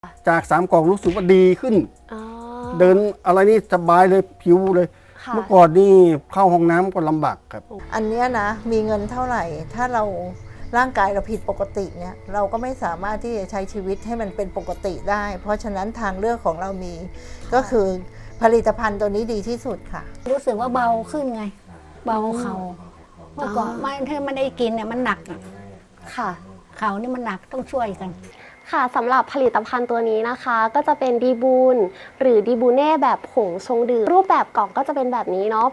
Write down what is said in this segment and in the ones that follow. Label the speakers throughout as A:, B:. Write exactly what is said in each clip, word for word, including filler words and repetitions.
A: จากสามกล่องรู้สึกว่าดีขึ้นเดินอะไรนี่สบายเลยผิวเลยเมื่อก่อนนี่เข้าห้องน้ำก็ลำบากครับ
B: อันนี้นะมีเงินเท่าไหร่ถ้าเราร่างกายเราผิดปกติเนี่ยเราก็ไม่สามารถที่จะใช้ชีวิตให้มันเป็นปกติได้เพราะฉะนั้นทางเลือกของเรามีก็คือผลิตภัณฑ์ตัวนี้ดีที่สุดค่ะ
C: รู้สึกว่าเบาขึ้นไงเบาเข่าเมื่อก่อนไม่ถ้าไม่ได้กินเนี่ยมันหนัก
D: ค่ะ
C: เข่านี่มันหนักต้องช่วยกัน
D: ค่ะสำหรับผลิตภัณฑ์ตัวนี้นะคะก็จะเป็นดีบูนหรือดีบูเน่แบบผงชงดื่มรูปแบบกล่องก็จะเป็นแบบนี้เนาะ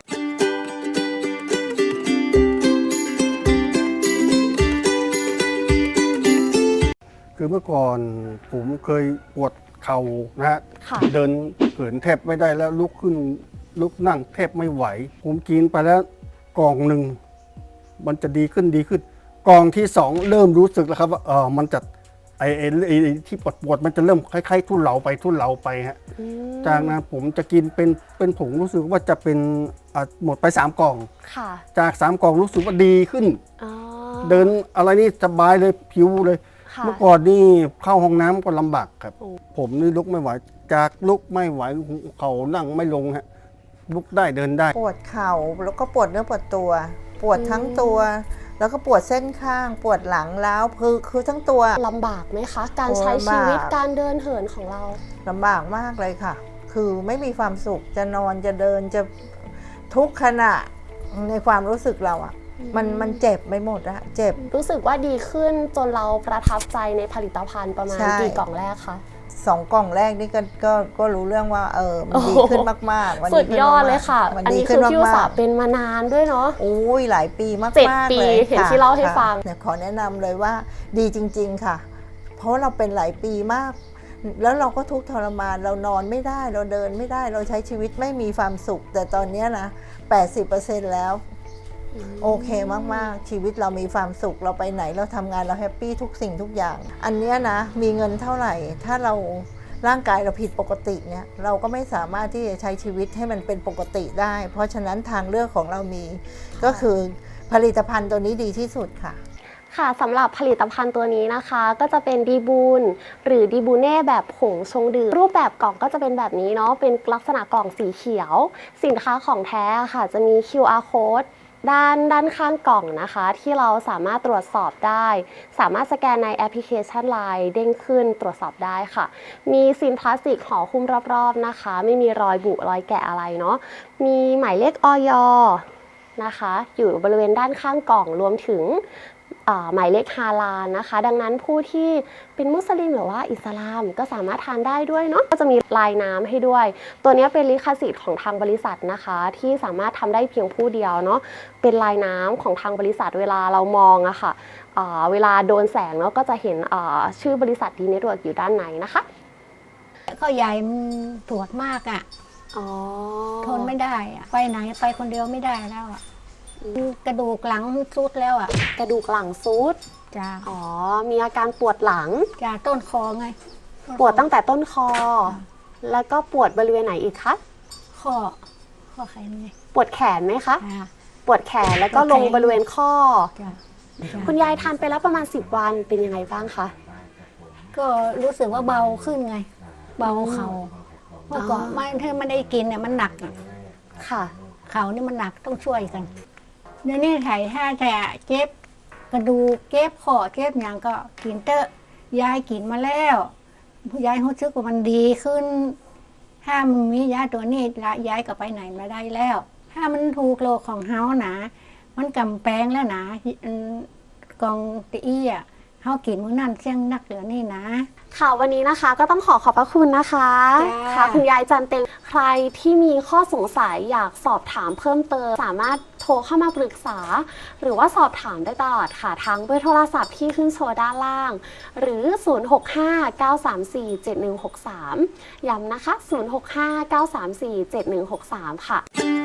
A: คือเมื่อก่อนผมเคยปวดเข่านะฮะเดินเหินแทบไม่ได้แล้วลุกขึ้นลุกนั่งแทบไม่ไหวผมกินไปแล้วกล่องหนึ่งมันจะดีขึ้นดีขึ้นกล่องที่สองเริ่มรู้สึกแล้วครับว่าเออมันจะไอ้ไอ้ที่ปวดปวดมันจะเริ่มคล้ายๆทุเลาไปทุเลาไปฮะจากนั้นผมจะกินเป็นเป็นผงรู้สึกว่าจะเป็นหมดไปสามกล่องจากสามกล่องรู้สึกว่าดีขึ้นเดินอะไรนี่สบายเลยผิวเลยเมื่อก่อนนี่เข้าห้องน้ำก็ลำบากครับผมนี่ลุกไม่ไหวจากลุกไม่ไหวเข่านั่งไม่ลงฮะลุกได้เดินได้
B: ปวดเข่าแล้วก็ปวดเนื้อปวดตัวปวดทั้งตัวแล้วก็ปวดเส้นข้างปวดหลังล้าวคือคือทั้งตัว
D: ลำบากไหมคะการใช้ชีวิตการเดินเหินของเรา
B: ลำบากมากเลยค่ะคือไม่มีความสุขจะนอนจะเดินจะทุกขณะในความรู้สึกเราอะมันมันเจ็บไปหมดอะเจ็บ
D: รู้สึกว่าดีขึ้นจนเราประทับใจในผลิตภัณฑ์ประมาณกี่กล่องแรกคะ
B: สองกล่องแรกนี่ก็ก็ก็รู้เรื่องว่าเออมันดีขึ้นมากๆ
D: สุดยอดเลยค่ะอันนี้คือพี่อุตสาห์เป็นมานานด้วยเนาะ
B: โอ้ยหลายปีมากๆ
D: เจ็ดปีเห็นที่เล่าให้ฟัง
B: เนี่ยขอแนะนำเลยว่าดีจริงๆค่ะเพราะเราเป็นหลายปีมากแล้วเราก็ทุกข์ทรมานเรานอนไม่ได้เราเดินไม่ได้เราใช้ชีวิตไม่มีความสุขแต่ตอนนี้นะ แปดสิบเปอร์เซ็นต์ แล้วโอเคมากๆชีวิตเรามีความสุขเราไปไหนเราทำงานเราแฮปปี้ทุกสิ่งทุกอย่างอันนี้นะมีเงินเท่าไหร่ถ้าเราร่างกายเราผิดปกติเนี่ยเราก็ไม่สามารถที่จะใช้ชีวิตให้มันเป็นปกติได้เพราะฉะนั้นทางเลือกของเรามีก็คือผลิตภัณฑ์ตัวนี้ดีที่สุดค่ะ
D: ค่ะสำหรับผลิตภัณฑ์ตัวนี้นะคะก็จะเป็นดีบูนหรือดีบูเน่แบบผงชงดื่มรูปแบบกล่องก็จะเป็นแบบนี้เนาะเป็นลักษณะกล่องสีเขียวสินค้าของแท้ค่ะจะมี คิว อาร์ Code ด้านด้านข้างกล่องนะคะที่เราสามารถตรวจสอบได้สามารถสแกนในแอปพลิเคชัน ไลน์ เด้งขึ้นตรวจสอบได้ค่ะมีซีนพลาสติกห่อหุ้มรอบๆนะคะไม่มีรอยบุรอยแกะอะไรเนาะมีหมายเลขอย.นะคะอยู่บริเวณด้านข้างกล่องรวมถึงหมายเลขฮาลาลนะคะดังนั้นผู้ที่เป็นมุสลิมหรือว่าอิสลามก็สามารถทานได้ด้วยเนาะก็จะมีลายน้ำให้ด้วยตัวนี้เป็นลิขสิทธิ์ของทางบริษัทนะคะที่สามารถทำได้เพียงผู้เดียวเนาะเป็นลายน้ำของทางบริษัทเวลาเรามองอะค่ะเวลาโดนแสงเนาะก็จะเห็นชื่อบริษัทดีเน็ตเวิร์กอยู่ด้านในนะคะ
C: ก็ใหญ่ปวดมากอะทนไม่ได้อะไปไหนไปคนเดียวไม่ได้แล้วอะกระดูกหลังซุดแล้วอ่ะ
D: กระดูกหลังซุด
C: จ้า
D: อ๋อมีอาการปวดหลัง
C: จ้าต้นคอไง
D: ปวดตั้งแต่ต้นคอแล้วก็ปวดบริเวณไหนอีกคะ
C: ข้อข้อแขนไง
D: ปวดแขนไหมคะปวดแขนแล้วก็ลงบริเวณข้อคุณยายทานไปแล้วประมาณสิบวันเป็นยังไงบ้างคะ
C: ก็รู้สึกว่าเบาขึ้นไงเบาเข่าเมื่อก่อนไม่ถ้าไม่ได้กินเนี่ยมันหนัก
D: ค่ะ
C: เข่านี่มันหนักต้องช่วยกันเดี๋ยวนี้ไถ่ถ้าแต่เจ็บกระดูกเจ็บคอเจ็บอย่างก็กินเตอะยายกินมาแล้วยายรู้สึกว่ามันดีขึ้นถ้ามันมียาตัวนี้ละยายก็ไปไหนมาได้แล้วถ้ามันถูกโลกของเฮาหนามันกำแพงแล้วนะกองตีอ่ะเฮากินมื้อนั้นเสี่ยงนักเหลือนี่นะ
D: ค่ะวันนี้นะคะก็ต้องขอขอบพระคุณนะคะค่ะคุณยายจันเต็งใครที่มีข้อสงสัยอยากสอบถามเพิ่มเติมสามารถโทรเข้ามาปรึกษาหรือว่าสอบถามได้ตลอดค่ะทั้งเบอร์โทรศัพท์ที่ขึ้นโชว์ด้านล่างหรือศูนย์ หก ห้า เก้า สาม สี่ เจ็ด หนึ่ง หก สามย้ำนะคะศูนย์ หก ห้า เก้า สาม สี่ เจ็ด หนึ่ง หก สามค่ะ